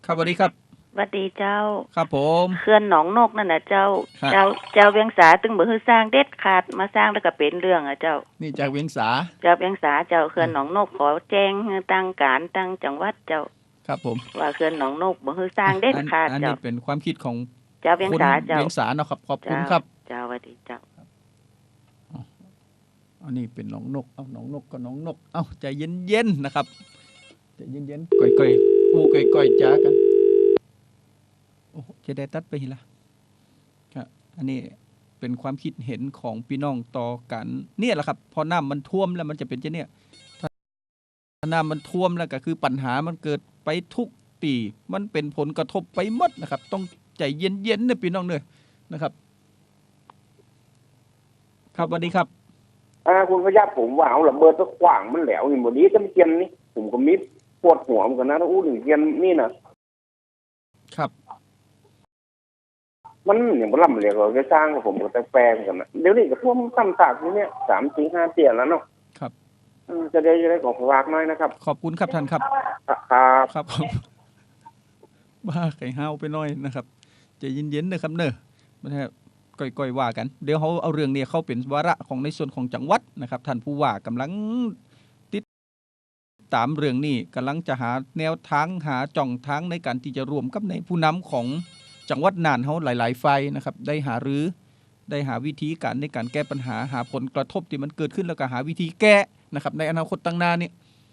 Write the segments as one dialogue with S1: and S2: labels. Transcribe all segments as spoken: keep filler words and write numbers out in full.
S1: ครับสวัสดีครับ
S2: สวัสดีเจ้า
S1: ครับผม
S2: เขื่อนหนองนกนั่นน่ะเจ้าเจ้าเจ้าเวียงสาตึงบ่ฮือสร้างเด็ดขาดมาสร้างแล้วก็เป็นเรื่องอ่ะเจ้า
S1: นี่จากเวียงสา
S2: เจ้าเวียงสาเจ้าเขื่อนหนองนกขอแจ้งให้ตั้งการตั้งจังหวัดเจ้า
S1: ครับผม
S2: ว่าเขื่อนหนองนกบ่ฮือสร้างเด็ดขาด
S1: อัน
S2: เจ้า
S1: นี้เป็นความคิดของ
S2: เจ้าเวียงสาเจ้า
S1: เวียงสาเนาะครับขอบคุณครับ
S2: เจ้าสวัสดีเจ้า
S1: อันนี้เป็นหนองนกเอ้าหนองนกก็หนองนกเอ้าใจเย็นๆนะครับใจเย็นๆก่อยๆอู้ก่อยๆจ้ากันโอ้จะได้ตัดไปหิละครับอันนี้เป็นความคิดเห็นของพี่น้องต่อกันเนี่ยแหละครับพอน้ำมันท่วมแล้วมันจะเป็นจะเนี่ยถ้าน้ำมันท่วมแล้วก็คือปัญหามันเกิดไปทุกปีมันเป็นผลกระทบไปหมดนะครับต้องใจเย็นๆนะพี่น้องเนยนะครับครับสวัสดีครับ
S3: อ่าคุณพยับผมว่าเอาระเบิดสักขวางมันแหลวนี่บ่นี้จำเกียนนี่ผมก็มิดปวดหัวเหมือนกันนะถ้าอู้ถึงเกียนนี่นะครับมันอย่างบ่ล่ำเหลวก็สร้างผมก็แต่แปลงกันนะเดี๋ยวนี้ก็ท่วมซ้ำซากอยู่เนี่ยสามสี่ห้าเตียนแล้วเนาะ
S1: ครับ
S3: จะได้จะได้ขอฝากหน่อยนะครับ
S1: ขอบคุณครับท่านครับ
S3: ครับ
S1: ครับบ้าไข่ห้าวไปหน่อยนะครับใจเย็นๆนะครับเนอะไม่ใช่ก่อยๆว่ากันเดี๋ยวเขาเอาเรื่องนี้เข้าเป็นวาระของในส่วนของจังหวัดนะครับท่านผู้ว่ากำลังติดตามเรื่องนี้กำลังจะหาแนวทางหาจ่องทางในการที่จะรวมกับในผู้นำของจังหวัดน่านเขาหลายๆฝ่ายนะครับได้หารือได้หาวิธีการในการแก้ปัญหาหาผลกระทบที่มันเกิดขึ้นแล้วก็หาวิธีแก้นะครับในอนาคตตั้งหน้านี้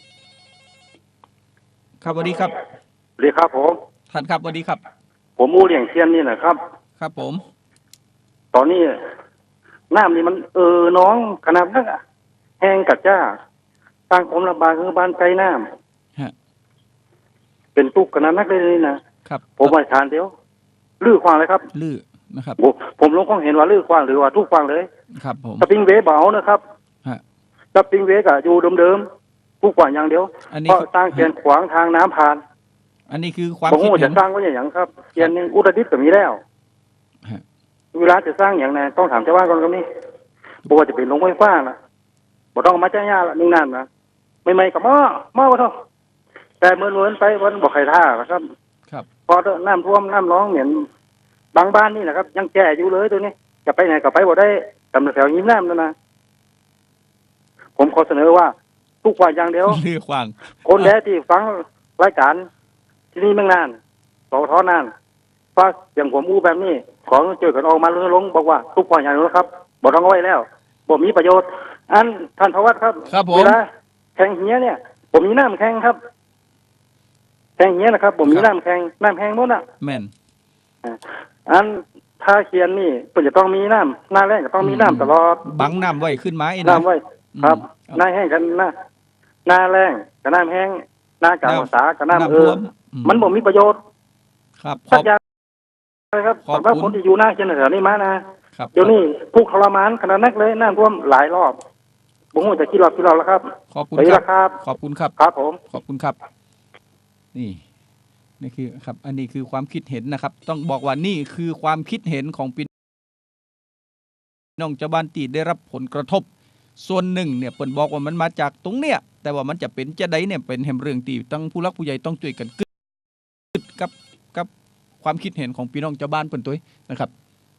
S1: ครับสวัสดีครับ
S3: สวัสดีครับผม
S1: ท่านครับสวัสดีครับ
S3: ผมมูเลี้ยงเทียนนี่นะครับ
S1: ครับผม
S3: ตอนนี้น้ำนี่มันเออน้องขนาดนั้นแห้งกัดจ้าสร้างความลำบากคือบ้านไกลน้ำเป็นตุกขนาดนักเลยนะครับผมมาทานเดียวลื้อควางเลยครับ
S1: ลื้อนะครับ
S3: ผมลงข้องเห็นว่าลื้อควางหรือว่าทุกควางเลย
S1: ครับผม
S3: สปริงเวย์เบานะครับสปริงเวย์ก็อยู่เดิมๆทุกควางอย่างเดียวเพราะสร้างเกียนขวางทางน้ำผ่าน
S1: อันนี้คือความ
S3: คิดเห็นจะสร้างไว้อย่างครับเกียนนึงอุตรดิตถ์ก็มีแล้วเวลาจะสร้างอย่างไหนต้องถามชาวบ้านก่อนครับนี่บอกว่าจะเป็นโรงไฟฟ้านะบอกต้องมาจ้างยาละนึ่งนั่นนะไม่ไม่กับหม้อหม้อก็เท่าแต่เมื่อเมื่อไปวันบอกใครท่าครับ
S1: ครับ
S3: พอน้ำท่วมน้ำร้องเหมือนบางบ้านนี่แหละครับยังแก่อยู่เลยตัวนี้จะไปไหนก็ไปบ่ได้ตำแถวยิ้มน้ำนั่นนะผมขอเสนอว่าทุกวันอย่างเดียว
S1: เรื่องควาง
S3: คนแท้ที่ฟังรายการที่นี่เมืองน่านสอท้อน่านฟ้าอย่างผมอู้แบบนี้ขอเจอกันออกมาลงบอกว่าทุกวันอย่างนี้ครับบอกต้องเอาไว้แล้วบอกมีประโยชน์อันท่านพวัตครับเวลาแข่งเหี้ยเนี่ยผมมีน้ำแข่งครับแข่งเหี้ยนะครับผมมีน้ำแข่งน้ำแข่งหมดอ่ะ
S1: แม่น
S3: อันถ้าเขียนนี่ก็จะต้องมีน้ำหน้าแรงก็ต้องมีน้ำตลอด
S1: บังน้ำไว้ขึ้นไม้
S3: น้ำไว้ครับหน้าแห้งกันหน้าหน้าแรงกับน้ำแห้งหน้ากลางภาษากับน้ำเออมันบ่มีประโยชน์
S1: ครับ
S3: ขอบครับสำหรับคนที่อยู่หน้าเชียงแถวนี้มานะเดี๋ยวนี้ผู้ทรมานขนาดนักเลยน้ำท่วมหลายรอบผมว่าจะกี่รอบกี่รอบแล้วครับ
S1: ขอบคุณ
S3: ครับ
S1: ขอบคุณครับ
S3: ครับผม
S1: ขอบคุณครับนี่นี่คือครับอันนี้คือความคิดเห็นนะครับต้องบอกว่านี่คือความคิดเห็นของพี่น้องชาวบ้านที่ได้รับผลกระทบส่วนหนึ่งเนี่ยเปิ่นบอกว่ามันมาจากตรงเนี้ยแต่ว่ามันจะเป็นจะได้เนี่ยเป็นแห่งเรื่องที่ตั้งผู้รักผู้ใหญ่ต้องช่วยกันกึดกับกับความคิดเห็นของพี่น้องชาวบ้านเปิ่นตัวนะครับ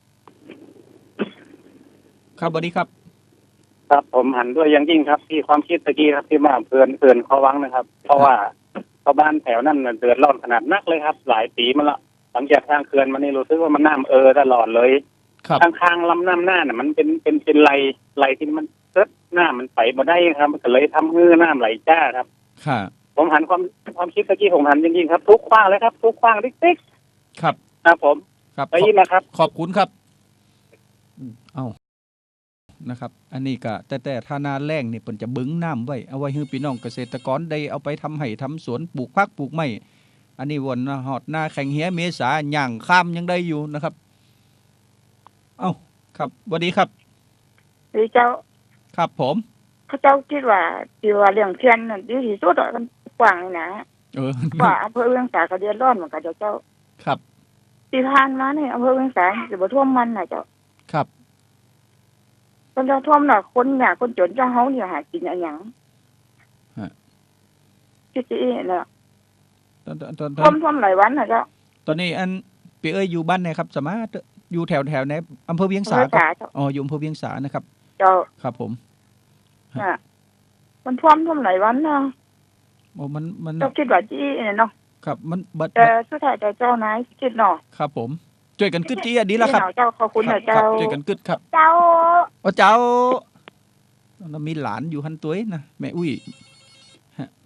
S1: ครับสวัสดีครับ
S4: ครับผมหันด้วยอย่างยิ่งครับที่ความคิดตะกี้ครับที่มาเพื่อนเพื่อนเขาวังนะครับเพราะว่าชาวบ้านแถวนั้นเดือดร้อนขนาดนักเลยครับหลายปีมาละหลังจากทางเขื่อนมันนี่รู้สึกว่ามันน้ำเออตลอดเลยข้างๆลำน้ำหน้าน่ะมันเป็นเป็นเป็นไหลไหลที่มันเกิดหน้ามันไปบ่ได้ครับมันก็เลยทำให้น้ำไหลจ้าครับ
S1: ค่ะ
S4: ผมหันความความคิดตะกี้ผมหันจริงๆครับทุกขว้างเลยครับทุกขว้างติ๊ก
S1: ๆครับ
S4: ครับผม
S1: ครับ
S4: ได้ยินนะครับ
S1: ขอบคุณครับเอ้านะครับอันนี้ก็แต่แต่ถ้านาแล้งนี่เพิ่นจะบึงน้ำไว้เอาไว้ให้พี่น้องเกษตรกรได้เอาไปทำให้ทำสวนปลูกผักปลูกไม้อันนี้วนหอดหน้าแข่งเหี้ยเมษาย่างข้ามยังได้อยู่นะครับเอ้าครับสวัสดีครับ
S5: ดีเจ้า
S1: ครับผม
S5: เขาเจ้าคิดว่าที่ว่าเรื่องเทียนนั่นดีที่สุดอ่ะมันกว้างนี่นะ
S1: เออ
S5: ว่าอำเภอเวียงสาก็เดือดร้อนเหมือนกันเจ้า
S1: ครับ
S5: ที่ผ่านมานี่อำเภอเวียงสาสิบ่ท่วมมันน่ะเจ้า
S1: ครับ
S5: คนจะท่วมน่ะคนยากคนจนเจ้าเฮานี่หากินอันหยังฮะคิดสิเนาะ
S1: ตอนตอนตอน
S5: ท่วมท่วมหลายวันนะเจ้า
S1: ตอนนี้อันเปียเอ้ยอยู่บ้านไหนครับสามารถอยู่แถวแถวไหนอำเภอเวียงสา
S5: อำเภอสาเจ้า
S1: อ๋ออยู่อำเภอเวียงสานะครับ
S5: เจ้า
S1: ครับผม
S5: น่ะมันท่วมท่วมหลายวันนะ
S1: โอ้มันมัน
S5: เจ้าคิดว่าจี้เนี่ยเนาะ
S1: ครับมันบัด
S5: แต่สุดท้ายแต่เจ้านายคิดเนาะ
S1: ครับผมช่วยกันกึดจี้อ่ะดีแล้วครับ
S5: เจ้าขอบคุณ
S1: ครั
S5: นะ
S1: บ
S5: เจ้า
S1: ช่วยกันกึดครับ
S5: เจ้า
S1: โอ้เจ้าเรามีหลานอยู่หันตัวนะแม่อุ้ยฮะ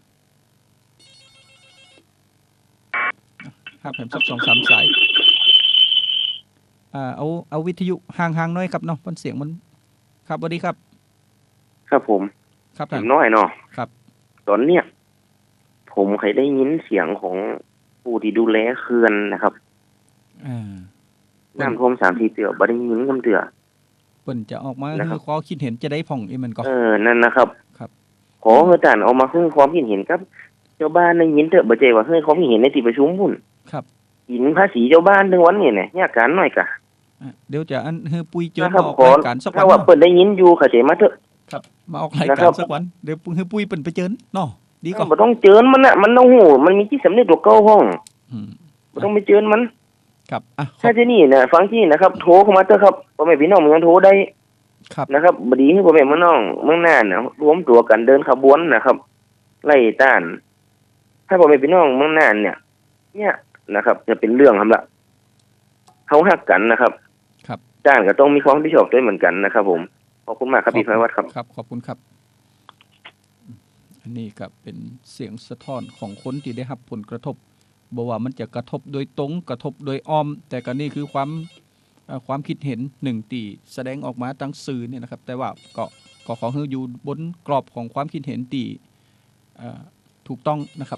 S1: ครับผมสักสองสามสายอ่าเอาเอาวิทยุห่างๆหน้อยครับเนาะมันเสียงมันครับสวัสดีครับ
S6: ครับผม
S1: ครับ
S6: ผ
S1: ท่าน
S6: มน้อยเนาะ
S1: ครับ
S6: ตอนเนี้ยผมเคยได้ยินเสียงของผู้ที่ดูแลเขื่อนนะครับ
S1: อ่า
S6: น้ำท่วมสามสี่เตือบ่ได้ยินคำเตือ
S1: เปิ่นจะออกมา
S6: นะครับ
S1: คือขอคิดเห็นจะได้ผ่องอีมันก็
S6: เออนั่นนะครับ
S1: ครับ
S6: ขอให้ท่านเอามาให้ความคิดเห็นครับเจ้าบ้านได้ยินเถอะบ่ใจว่าให้ความคิดเห็นในที่ประชุมพุ่น
S1: ครับ
S6: หินภาษีเจ้าบ้านทั้งวันนี่เนี่ยยากการหน่อยกะ
S1: อ่ะเดี๋ยวจะอันเฮอปุยเจอ
S6: นะครั
S1: มาออก
S6: ขอ
S1: รายการสักวั
S6: ถ้าน ว่า
S1: เนาะ
S6: เปิดได้ยินอยู่เข้าใจมาเถอะ
S1: ครับมาออกราย
S6: นะ
S1: กา
S6: ครั
S1: ร
S6: บ
S1: สักวันเดี๋ยวเฮอปุยเปิ่นไปเจอเนาะดีก็
S6: บ่ต้องเจิญมันน่ะมันต้องหูมันมีที่สำนึกตัวเก่าห้อง
S1: อืม
S6: บ่ต้องไปเจิญมัน
S1: ครับอ่ะขอ
S6: ถ้า
S1: บ
S6: ที่นี่นะฟังที่นะครับโทรเข้ามาเถอะครับพ่อแม่พี่น้องเมืองโทรได้
S1: ครับ
S6: นะครับบดีให้พ่อแม่พี่น้องเมืองน่านนะรวมตัวกันเดินขบวนนะครับ ไล่ต้านถ้าพ่อแม่พี่น้องเมืองน่านเนี่ย เนี่ยนะครับ จะเป็นเรื่องครับละเขาหักกันนะครับ
S1: ครับ
S6: ต้านก็ต้องมีความรับผิดชอบด้วยเหมือนกันนะครับผมขอบคุณมากครับพี่ภัยวัฒน์ครับ
S1: ครับขอบคุณครับ อันนี้ก็เป็นเสียงสะท้อนของคนที่ได้รับผลกระทบบอกว่ามันจะกระทบโดยตรงกระทบโดยอ้อม แต่ก็นี่คือความเอ่อความคิดเห็นหนึ่งตีแสดงออกมาตั้งสื่อเนี่ยนะครับ แต่ว่าก็ก็ขอให้อยู่บนกรอบของความคิดเห็นตีเอ่อถูกต้องนะครับ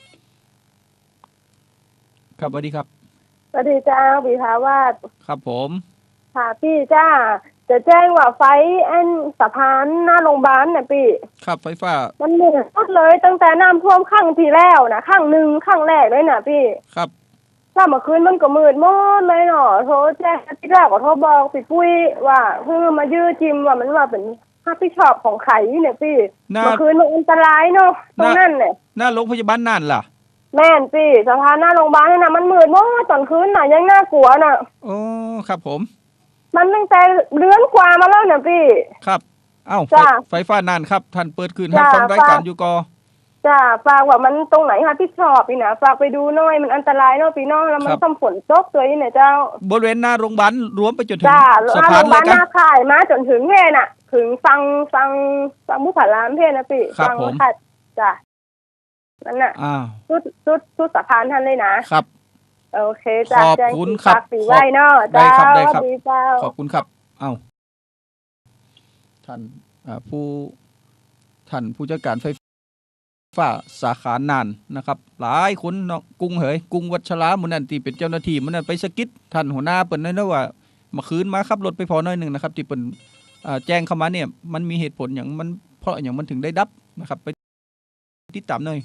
S1: ครับสวัสดีครับ
S7: สวัสดีจ้าพี่ภาวาส
S1: ครับผม
S7: ค่ะพี่จ้าจะแจ้งว่าไฟอันสะพานหน้าโรงพยาบาลน่ะพี่
S1: ครับไฟฟ้า
S7: มันมืดหมดเลยตั้งแต่น้ำท่วมข้างที่แล้วนะข้างหนึ่งข้างแรกเลยน่ะพี่
S1: ครับ
S7: ถ้าเมื่อคืนมันก็มืดหมดเลยเนาะโทรแจ้งที่แรกก็โทรบอกพี่ปุ้ยว่าเพิ่งมายื้อจิมว่ามันว่าเป็นรับผิดชอบของไข่เนี่ยพี่
S1: หน้า
S7: เมื่อคืนมันอันตรายเนาะตรงนั้นเนี่ย
S1: หน้าโรงพยาบาลน่านล่ะ
S7: แม่นพี่สะพานหน้าโรงพยาบาลนี่นะมันมืดหมดตอนคืนน่ะยังน่ากลัวน่ะ
S1: โอ้ครับผม
S7: มันตั้งแต่เดือนกว่ามาแล้วเนี่ยพี่
S1: ครับ เอ้าไฟ
S7: จ้ะ
S1: ไฟฟ้าน่านครับ ท่านเปิดคืน
S7: จ้ะ
S1: ให้ฟังรายการ
S7: ฝาก
S1: อยู่กอ
S7: จ้าฝากว่ามันตรงไหนคะพี่ชอบพี่นะฝากไปดูหน่อยมันอันตรายเนาะพี่น้องแล้วมันต้องฝนตกตัวนี้เนี่ยเจ้า
S1: บริเวณหน้าโรงพยาบาลรวมไปจนถึง
S7: จ้า
S1: สะ
S7: ถ้า
S1: พา
S7: โร
S1: น
S7: งพยาบาล
S1: เลย
S7: ห
S1: กัน
S7: น้าค่ายมาจนถึงเพน่ะ ถึงฟังฟังฟังมุสารามเพนะพี่
S1: ครับ
S7: ฟั
S1: ผม
S7: ค่ะจ้านั่นน่ะ
S1: อ้าว
S7: ชุดชุดชุดสะพานท่านเลยนะครับ โอเคจ้า
S1: ขอบ
S7: แจ้ง
S1: คุณ
S7: ที่
S1: ครับ
S7: ฝากสีไว้เนาะ
S1: ได้
S7: เจ้า
S1: ครับได้ครับ
S7: สวัสดีเจ้า
S1: ขอบคุณครับ เอ้าท่านอ่าผู้ท่านผู้จัดการไฟฟ้าสาขาน่านนะครับ หลายคนเนาะกุ้งเหยกุ้งวัชราหมุนันที่เป็นเจ้าหน้าที่หมุนันไปสะกิดท่านหัวหน้าเปิ่นนั่นนะว่าเมาคืนมาขับรถไปพอน้อยหนึ่งนะครับ ที่เปิ่นอ่าแจ้งเข้ามาเนี่ย มันมีเหตุผลอย่างมันเพราะอย่างมันถึงได้ดับนะครับ ไปติดตามหน่อย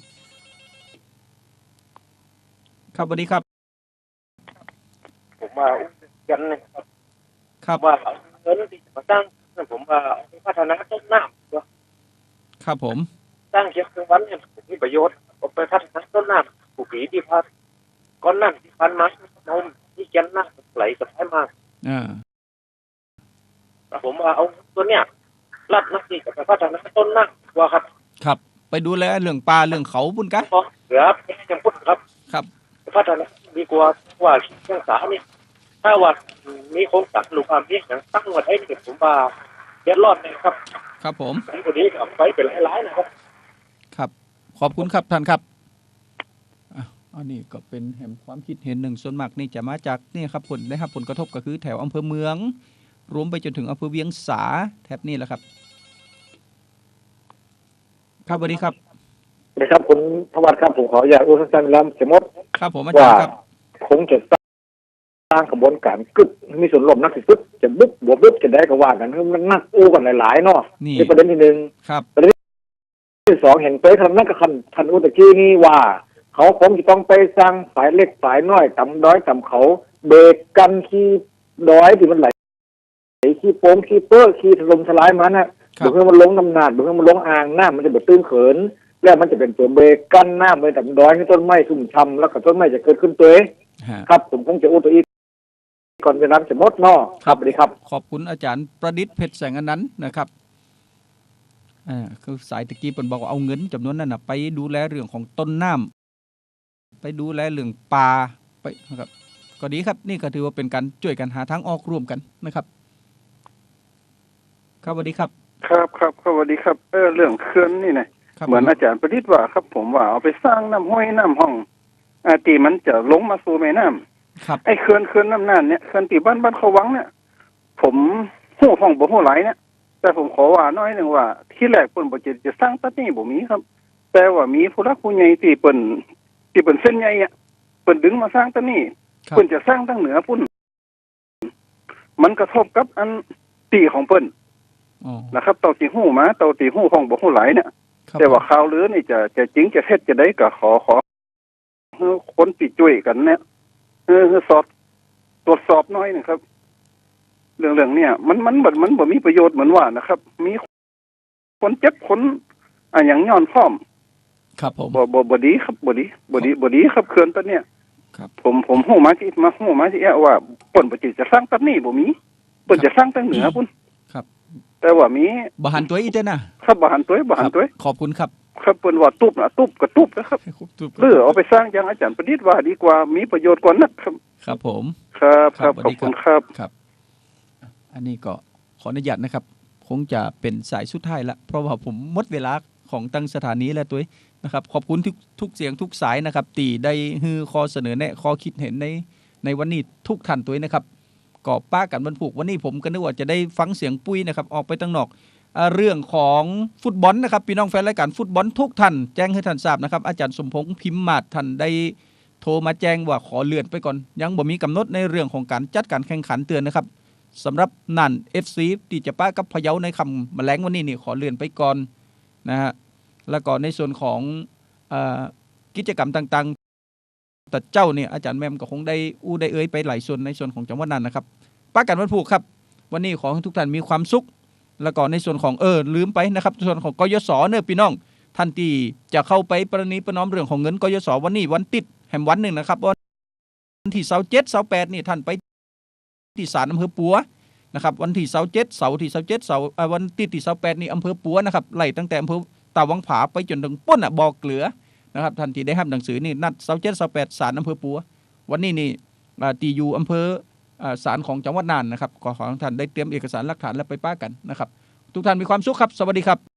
S1: ครับสวัสดีครับ
S4: ผมว่ากันนะครับ
S1: ครับ
S4: ว่าเอาเงินที่จะมาสร้างผมว่าเอาไปพัฒนาต้นน้ำว่า
S1: ครับผม
S4: สร้างเชียงคืนวันเนี่ยมีประโยชน์เอาไปพัฒนาต้นน้ำปลูกผีที่พัดก้อนน้ำที่พันมานมที่แกนน้ำไหลสะพายมาก
S1: อ่า
S4: ผมว่าเอาตัวเนี้ยรัดนักที่จะไปพัฒนาต้นน้ำว่าครับ
S1: ครับไปดูแลเรื่องปลาเรื่องเขาบุญกะ
S4: เพราะเหลือยังพูดครับ
S1: ครับ
S4: พัฒนาดีกว่าว่าเชียงสาเนี่ยถ้าว่ามีโครงการลูกความเพียงอย่างตั้งไว้ให้เนี่ยผมว่าเดือดร้อนนะครับ
S1: ครับผม
S4: อันนี้กับไปเป็นหลายๆนะครับ
S1: ครับ ขอบคุณครับท่านครับอ่ะอันนี้ก็เป็นแห่งความคิดเห็นหนึ่งส่วนมากนี่จะมาจากนี่ครับผลได้รับผลกระทบก็คือแถวอำเภอเมือง รวมไปจนถึงอำเภอเวียงสาแถบนี้แหละครับ ครับสวัสดีครับ
S3: นะครับคุณพวัตครับผมขออยากอุตส่าห์ลำสมมติ
S1: ครับผมอาจารย์ครับ
S3: คงจะสร้างกระบวนการกึศมีส่วนร่วมนักสิกึศจะบุ๊บบวบบุ๊บจะได้ก็ว่ากันคือมันนักอู้กันหลายๆเนาะ
S1: นี่
S3: นี่ประเด็นที่หนึ่ง
S1: ครับ
S3: ที่สองเห็นไปทำนักกับคันทันอุตะกี้นี่ว่า เขาคงจะต้องไปสร้างฝ่ายเล็กฝ่ายน้อยต่ำด้อยต่ำเขาเบรกกันขี้ด้อยที่มันไหลขี้โป้งขี้เปื้อขี้ถล่มทลายมันนะ
S1: ครับ
S3: เพื่อมันลงน้ำหนักเพื่อมันลงอ่างน้ำมันจะแบบตื้นเขิน
S8: แล้วมันจะเป็นตัวเบรกกั้นน้ำไว้แต่ดอยให้ต้นไม้ชุ่มช่ำแล้วก็ต้นไม้จะเกิดขึ้นตัวเองครับผมคงจะอู้ตัวอีกก่อนเวลาจะหมดเนาะครับสวัสดีครับ
S1: ขอบคุณอาจารย์ประดิษฐ์เพชรแสงอนันต์นะครับอ่าคือสายตะกี้เพิ่นบอกว่าเอาเงินจำนวนนั้นน่ะไปดูแลเรื่องของต้นน้ำไปดูแลเรื่องป่าไปนะครับก็ดีครับนี่ก็ถือว่าเป็นการช่วยกันหาทางออกร่วมกันนะครับครับสวัสดีครับ
S9: ครับครับสวัสดีครับเออเรื่องเขื่อนนี่นะเหมือนอาจารย์ประดิษฐ์ว่าครับผมว่าเอาไปสร้างน้ำห้วยน้ำห้องอาตีมันจะลงมาสู่แม่น้ำ
S1: ครับ
S9: ไอ้เขื่อนเขื่อนน้ำน่านเนี่ยเขื่อนตีบ้านบ้านเขาวังเนี่ยผมหู้ห้องบ่หู้ไหลเนี่ยแต่ผมขอว่าน้อยหนึ่งว่าที่แรกเปิ้นบ่จะจะสร้างตัดนี่บ่มีครับแต่ว่ามีผู้รักผู้ใหญ่ที่เปิ้นที่เปิ้นเส้นใหญ่อ่ะเปิ้นดึงมาสร้างตัดนี่เปิ้นจะสร้างตั้งเหนือพุ่นมันกระทบกับอันตีของเปิ้นนะครับเต่าตีหู้มาเต่าตีหู้ห้องบ่หู้ไหลเนี่ยแต่ว่าข่าวลือนี่จะจะจริงจะเท็จจะได้ก็ขอขอคนติดจุ้ยกันเนี่ยเออสอบตรวจสอบน้อยนะครับเรื่องเรื่องเนี่ยมันมันมันมันบ่มีประโยชน์เหมือนว่านะครับมีคนเจ็บคนอ่ะอย่างย้อนพร้อม
S1: ครับผม
S9: บ่บ่บ่ดีครับบ่ดีบ่ดีบ่ดีครับเขื่อนตัวเนี้ย
S1: ครับ
S9: ผมผมฮู้มาที่มาฮู้มาที่ว่าเปิ้นบ่จิจะสร้างตัดนี้บ่มีเปิ้นจะสร้างตั้งเหนือพุ่น
S1: ครับ
S9: แต่ว่ามี
S1: บ่หันตัวอีกเด้อ
S9: นะครับบ่หันตัวบ่หันตัว
S1: ขอบคุณครับ
S9: ครับเปิ้นว่าตุบน่ะตุบก็ตุบนะครับหรือเอาไปสร้างอย่างอาจารย์ประดิษฐ์ว่าดีกว่ามีประโยชน์กว่านักครับ
S1: ครับผม
S9: ครับครับขอบคุณครับ
S1: ครับอันนี้ก็ขออนุญาตนะครับคงจะเป็นสายสุดท้ายละเพราะว่าผมหมดเวลาของตั้งสถานีแล้วตัวนะครับขอบคุณทุกทุกเสียงทุกสายนะครับตีได้ฮือข้อเสนอแนะข้อคิดเห็นในในวันนี้ทุกท่านตัวนะครับก็ป้ากันบรรพุกวันนี้ผมก็นึกว่าจะได้ฟังเสียงปุ้ยนะครับออกไปตั้งนอกเรื่องของฟุตบอลนะครับพี่น้องแฟนรายการฟุตบอลทุกท่านแจ้งให้ท่านทราบนะครับอาจารย์สมพงษ์พิมพ์มาศท่านได้โทรมาแจ้งว่าขอเลื่อนไปก่อนยังบ่มีกำหนดในเรื่องของการจัดการแข่งขันเตือนนะครับสำหรับนั่น เอฟ ซี ที่จะป้ากับพะเยาในคำแมลงวันนี้นี่ขอเลื่อนไปก่อนนะฮะแล้วก็ในส่วนของเอ่อกิจกรรมต่างๆแต่เจ้าเนี่ยอาจารย์แมมก็คงได้อู้ได้เอ่ยไปหลายส่วนในส่วนของจังหวัดนั้นนะครับป้ากันวันพุธครับวันนี้ขอให้ทุกท่านมีความสุขแล้วก็ในส่วนของเออลืมไปนะครับส่วนของกยศเนี่ยพี่น้องท่านที่จะเข้าไปประนีประนอมเรื่องของเงินกยศวันนี้วันติดแห่งวันหนึ่งนะครับวันที่เสาร์เจ็ดเสาร์แปดนี่ท่านไปที่ศาลอำเภอปัวนะครับวันที่เสาร์เจ็ดเสาร์ที่เสาร์เจ็ดเสาร์วันติดที่เสาร์แปดนี่อำเภอปัวนะครับไล่ตั้งแต่อำเภอตาวังผาไปจนถึงป้นอ่ะบ่อเกลือนะครับท่านที่ได้รับหนังสือนี่นัดเสาร์เจ็ดเสาร์แปดศาลอำเภอปัววันนี้นี่ตีอยู่อำเภอศาลของจังหวัดน่านนะครับขอขอท่านได้เตรียมเอกสารหลักฐานแล้วไปป้ากันนะครับทุกท่านมีความสุขครับสวัสดีครับ